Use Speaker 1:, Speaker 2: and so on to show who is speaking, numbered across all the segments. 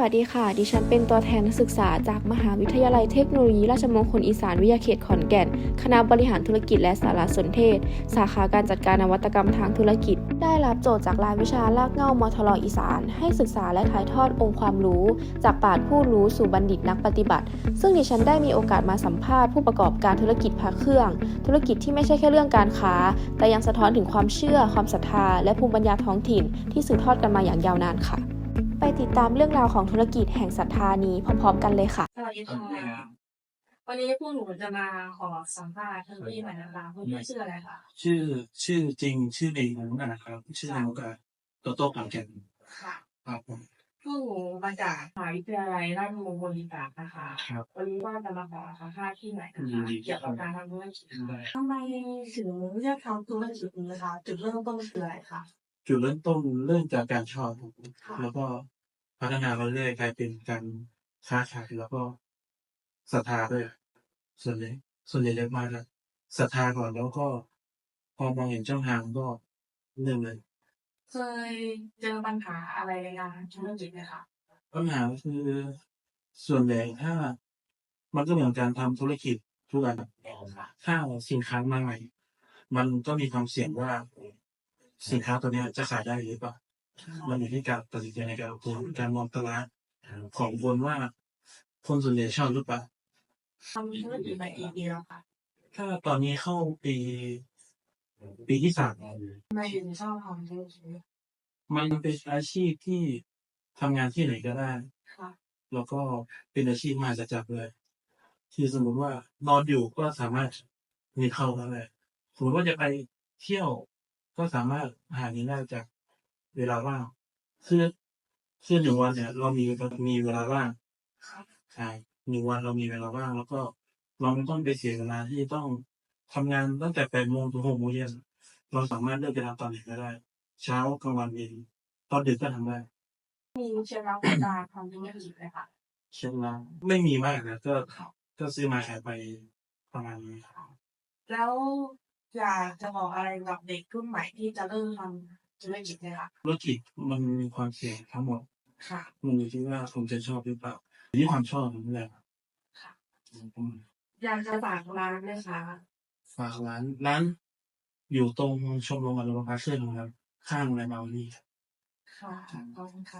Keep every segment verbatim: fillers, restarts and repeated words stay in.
Speaker 1: วัสดีค่ะดิฉันเป็นตัวแทนนักศึกษาจากมหาวิทยาลัยเทคโนโลยีราชมงคลอีสานวิทยาเขตขอนแก่นคณะบริหารธุรกิจและสารสนเทศสาขาการจัดการนวัตกรรมทางธุรกิจได้รับโจทย์จากรายวิชารากเหง้ามทรอีสานให้ศึกษาและถ่ายทอดองค์ความรู้จากปราชญ์ผู้รู้สู่บัณฑิตนักปฏิบัติซึ่งดิฉันได้มีโอกาสมาสัมภาษณ์ผู้ประกอบการธุรกิจพระเครื่องธุรกิจที่ไม่ใช่แค่เรื่องการค้าแต่ยังสะท้อนถึงความเชื่อความศรัทธาและภูมิปัญญาท้องถิ่นที่สืบทอดกันมาอย่างยาวนานค่ะไปติดตามเรื่องราวของธุรกิจแห่งศรัทธานี้พร้อมๆกันเลยค่ะ
Speaker 2: สวัสดีค่ะวันนี้พวกหนูจะมาขอสัมภาษณ์ท่านพี่หน่อยนะคะคุณพี่ชื่ออะไรคะ
Speaker 3: ชื่อชื่อจริงชื่อเองนะครับชื่อนามกาโตโต้ขอนแก่น
Speaker 2: ค่ะ
Speaker 3: ครับผม
Speaker 2: พวกหนูมาจากมหาวิทยาลัยราชมงคลอีสานนะคะ
Speaker 3: ครับ
Speaker 2: วันนี้ว่าจะมาขอสัมภาษณ์ที่ไหนนะคะเกี่ยวกับการทำธุรกิจทำไมถึงเลือกทำธุรกิจนี้นะคะจุดเริ่มต้นคืออะไรคะ
Speaker 3: จุดเริ่มต้นเริ่มจากการชอบ
Speaker 2: ค่ะ
Speaker 3: แล้วก็พัฒนามาเรื่อยกลายเป็นการค้าขายแล้วก็ศรัทธาด้วยส่วนใหญ่ส่วนใหญ่จะมาจากศรัทธาก่อนแล้วก็พอมองเห็นช่องทางก็เริ่มเลย
Speaker 2: เคยเจอปัญหาอะไรในการทำธุรกิจไหมคะ
Speaker 3: ปัญหาก็คือส่วนใหญ่ถ้ามันก็เหมือนการทำธุรกิจทุกอันถ้าสินค้ามาใหม่มันก็มีความเสี่ยงว่าสินค้าตัวเนี้ยจะขายได้หรือเปล่ามันอยู่ที่การตัดสินใจในการลงทุนการมองตลาดของคนว่าคนส่วนใหญ่ชอบหรือเปล่า
Speaker 2: ทำธุรกิจมากี่ปีแล้วคะ
Speaker 3: ถ้าตอนนี้เข้าปีปีที่สาม
Speaker 2: ทำไมถึงชอบทำธุรกิจ
Speaker 3: มันเป็นอาชีพที่ทำงานที่ไหนก็ได้
Speaker 2: ค่ะ
Speaker 3: แล้วก็เป็นอาชีพมหัศจรรย์เลยที่สมมติว่านอนอยู่ก็สามารถมีเข้าได้เลยสมมติว่าจะไปเที่ยวก็สามารถหาเงินได้จากเวลาว่างคือคือหนึ่งวันเนี่ยเรามีมีเวลาว่างใช่หนึ่งวันเรามีเวลาว่างแล้วก็เราไม่ต้องไปเสียเวลาที่ต้องทำงานตั้งแต่แปดโมงถึงหกโมงเย็นเราสามารถเลือกไปทำตอนไหนก็ได้เช้ากลางวันเย็นตอนดึกก็ทำได้
Speaker 2: มีเคล็ดลับในการทำธุรกิจไหมคะ
Speaker 3: เช่นนั้นไม่มีมากนะก็ก็ซื้อมาขายไปประมาณนี้
Speaker 2: แล้วอยากจะบอกอะไรกับเด็กรุ่นใหม่ที่จะเริ่มทำธุรกิจไหมคะ
Speaker 3: ธุรกิจมันมีความเสี่ยงทั้งหมด
Speaker 2: ค่ะ
Speaker 3: มันอยู่ที่ว่าคุณจะชอบหรือเปล่าอยู่ที่ความชอบนั่นแหละ
Speaker 2: ค่ะ
Speaker 3: อืม
Speaker 2: อยากจะฝากร้านไหมคะ
Speaker 3: ฝากร้านร้านอยู่ตรงชมรมอนุรักษ์พระเครื่องครับข้างโรงแรมเมาลี่
Speaker 2: ค่ะขอบคุณค่ะ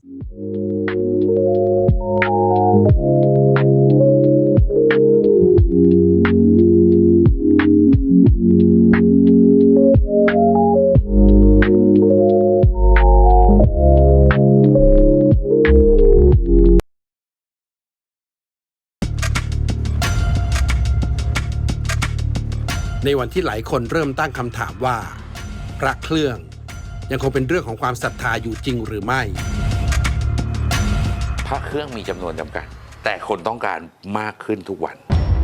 Speaker 4: ในวันที่หลายคนเริ่มตั้งคำถามว่าพระเครื่องยังคงเป็นเรื่องของความศรัทธาอยู่จริงหรือไม่
Speaker 5: พระเครื่องมีจำนวนจำกัดแต่คนต้องการมากขึ้นทุกวัน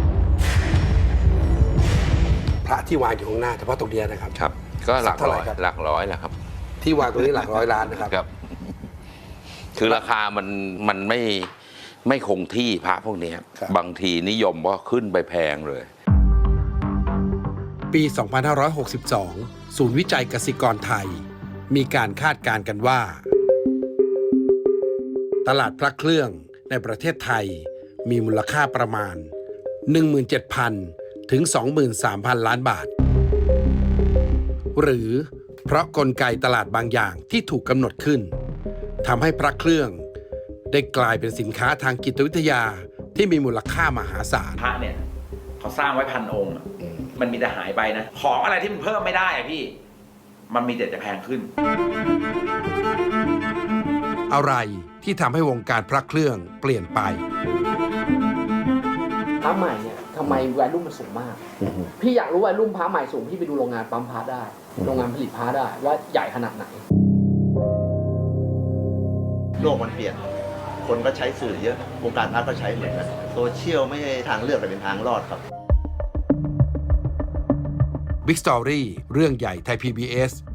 Speaker 4: พระที่วางอยู่ข้างหน้าเฉพาะตรงนี้นะครับ
Speaker 5: ครับก็หลักร้อยหลักร้อยแหละครับ
Speaker 4: ที่วางตรงนี้หลักร้อยล้านนะครับ
Speaker 5: ครับคือราคามันมันไม่ไม่คงที่พระพวกนี้บางทีนิยมว่าขึ้นไปแพงเลย
Speaker 4: ปี สองพันห้าร้อยหกสิบสอง ศูนย์วิจัยกสิกรไทยมีการคาดการณ์กันว่าตลาดพระเครื่องในประเทศไทยมีมูลค่าประมาณ หนึ่งหมื่นเจ็ดพัน ถึง สองหมื่นสามพัน ล้านบาทหรือเพราะกลไกตลาดบางอย่างที่ถูกกำหนดขึ้นทำให้พระเครื่องได้กลายเป็นสินค้าทางจิตวิทยาที่มีมูลค่ามหาศาล
Speaker 6: พระเนี่ยเขาสร้างไว้พันองค์มันมีแต่หายไปนะของอะไรที่มันเพิ่มไม่ได้อะพี่มันมีแต่จะแพงขึ้น
Speaker 4: อะไรที่ทำให้วงการพระเครื่องเปลี่ยนไป
Speaker 7: พระใหม่เนี่ยทำไมแวลูมันสูงมากพี่อยากรู้แวลูพระใหม่สูงพี่ไปดูโรงงานปั๊มพระได้โรงงานผลิตพระได้ว่าใหญ่ขนาดไหน
Speaker 8: โลกมันเปลี่ยนคนก็ใช้สื่อเยอะวงการพระก็ใช้เหมือนกันโซเชียลไม่ใช่ทางเลือกแต่เป็นทางรอดครับ
Speaker 4: Big Story เรื่องใหญ่ไทย พี บี เอส